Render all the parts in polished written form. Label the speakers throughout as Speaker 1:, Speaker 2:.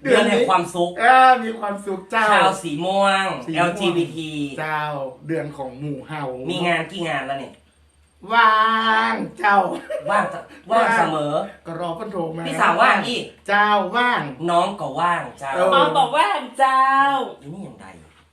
Speaker 1: เดือนแห่งความสุข
Speaker 2: มีความสุขเจ้า
Speaker 1: ชาวสีม่วง
Speaker 2: สีม่วง
Speaker 1: LGBT
Speaker 2: เจ้าเดือนของหมู่เฮา
Speaker 1: มีงานกี่งานแล้วเนี่ย
Speaker 2: ว่างเจ้า
Speaker 1: ว่างเสมอ
Speaker 2: ก็รอเพิ่นโทรมา
Speaker 1: พี่สาวว่างอีก
Speaker 2: เจ้าว่าง
Speaker 1: น้องก็ว่างเจ้า
Speaker 3: น้องบอกว่างเจ้า
Speaker 1: อีนี่ยังไง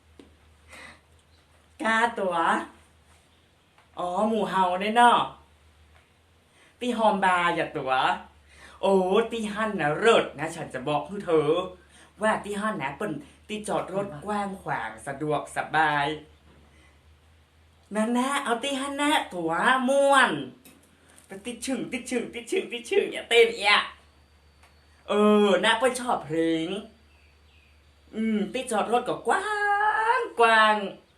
Speaker 3: กาตัวอ๋อหมู่เฮาได้เนาะตีฮอมบาอย่าตัวโอ้ตีฮั่นนะเลิศนะฉันจะบอกให้เธอว่าตีฮั่นนะเป็นตีจอดรถกว้างขวางสะดวกสบายนั่นนะเอาตีฮั่นนะตัวม่วนไปติดชึ่งอย่าเต้นอ่ะนะเปิ้ลชอบเพลงตีจอดรถก็กว้าง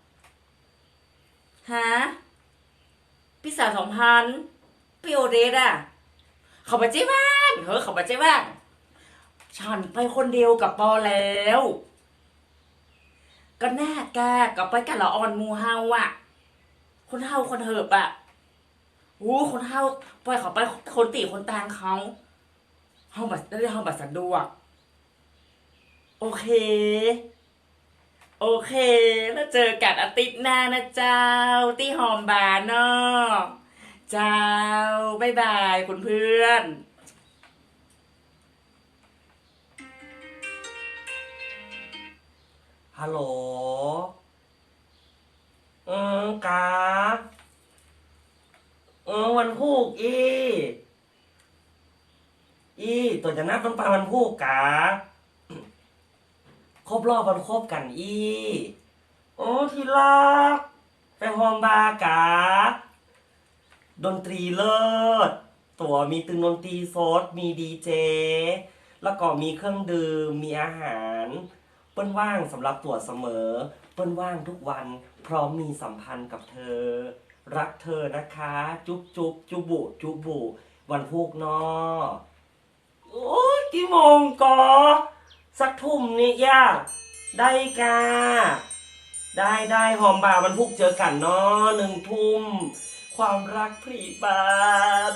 Speaker 3: ฮะพี่สาว2,000พี่โอเดสอ่ะเขาไปเจ๊บ้างเขาไปเจ๊บ้างฉันไปคนเดียวกับปอแล้วก็แน่แกกับไปกันละออนมูเฮาอ่ะคนเฮาคนเหิบอ่ะคนเฮาปล่อยเขาไปคนตีคนตางเขาเฮาบัตรสะดวกโอเคแล้วเจอกันอาทิตย์หน้านะเจ้าที่หอมบาร์เนาะเจ้าบ๊ายบายคุณเพื่อน
Speaker 1: ฮัลโหลกาวันพูกตัวจะนับต้องไปวันพูกกาครบรอบวันครบกันที่รักไปฮอมบาร์กาดนตรีเลิศตัวมีตึงดนตรีสดมีดีเจแล้วก็มีเครื่องดื่มมีอาหารเปิ้นว่างสำหรับตัวเสมอเปิ้นว่างทุกวันพร้อมมีสัมพันธ์กับเธอรักเธอนะคะจุ๊บจุบุวันพุกนอโอ้ยกี่โมงกอสักทุ่มนี่ย่าได้กาได้หอมบ่าวันพุกเจอกันเนาะ1 ทุ่มความรักพรีบาน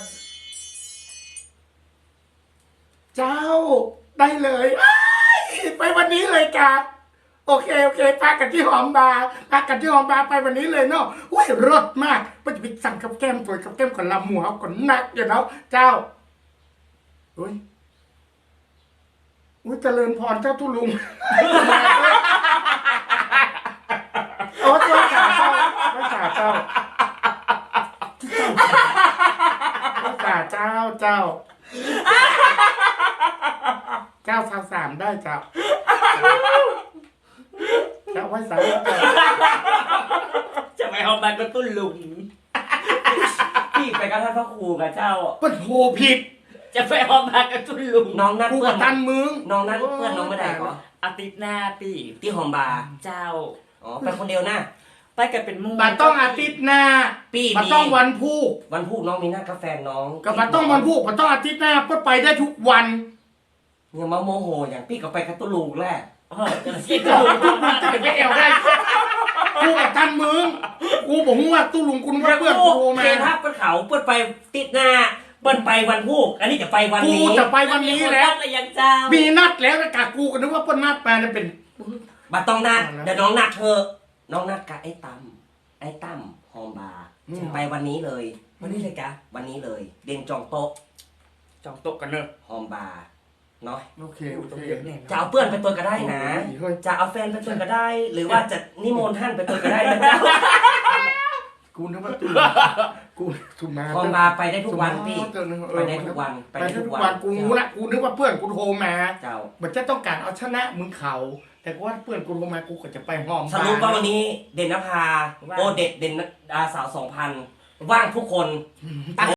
Speaker 2: เจ้าได้เลยไปวันนี้เลยครับโอเคพากันที่หอมบาร์ไปวันนี้เลยเนาะอุ้ยรสมากมันจะไปสั่งกับแก้มตัวกับแก้มกับลำหมูเขาก่อนนักอยู่เนาะเจ้าอุ้ยเจริญพรเจ้าทุลุงโอ้ตัวขาเจ้าไม่ขาเจ้าเจ้า3ได้เจ้าไว้สาม
Speaker 3: จะไปเอาบัตรก็ตุ้นลุง
Speaker 1: พี่ไปกับท่านพระครูกับเจ้า
Speaker 2: เปิ้นโทรผิด
Speaker 3: จะไปเอาบัตรก็ตุ้นลุง
Speaker 1: น้องนัด
Speaker 2: เพื่อนตันมึง
Speaker 1: น้องนัดเพื่อนน้องไม่ได้เหรอ
Speaker 3: อาทิตย์หน้าปี
Speaker 1: ที่หอมบาร์
Speaker 3: เจ้า
Speaker 1: ไปคนเดียวนะ
Speaker 3: ไปกันเป็นมู่
Speaker 2: บัตรต้องอาทิตย์หน้าบัตรต้องวันพุธ
Speaker 1: น้องมีนัดกาแฟน้อง
Speaker 2: กับบัตรต้องวันพุธบัตรต้องอาทิตย์หน้าก็ไปได้ทุกวัน
Speaker 1: อย่ามาโมโหอย่างพี่ก็ไปกับตุลูกแหละ
Speaker 2: คิดถูกทุกวันจะไปเอวได้กูกับท่านมึงกูบอกว่าตู้ลุงคุณว่าเพื่อนกูมา
Speaker 1: เคทับเปิ้นเขาเปิ้นไปติดหน้าเปิ้นไปวันพุธอันนี้จะไปวันนี้
Speaker 2: กูจะไปวันนี้แล้วมีนัดแล้วนะกะกูก็นึกว่าเปิ้นนัดมาเนี่ยเป็น
Speaker 1: บัตรต้องนัดเดี๋ยวน้องนัดเธอน้องนัดกับไอ้ตั้มฮอมบาร์ไปวันนี้เลยวันนี้เลยกะวันนี้เลยเด่นจองโต๊ะ
Speaker 3: กันเนอะ
Speaker 1: ฮอมบาร์เนาะ
Speaker 2: โอเค
Speaker 1: จะเอาเพื่อนไปตัวก็ได้นะจะเอาแฟนไปตัวก็ได้หรือว่าจะนิมนต์ท่านไปตัวก็ได้นะเจ้า
Speaker 2: กูนึกว่ากูถูกมา
Speaker 1: ฮอมบาร์ไปได้ทุกวันพี่ไปได้ทุกวัน
Speaker 2: กูนึกว่าเพื่อนกูโทรมา
Speaker 1: เจ้า
Speaker 2: มันจะต้องการเอาชนะมึงเขาแต่ว่าเพื่อนกูโทรมากูก็จะไปห้อง
Speaker 1: สรุปว่าวันนี้เด่นนภาโอเด่นสาว 2,000ว่างทุกคน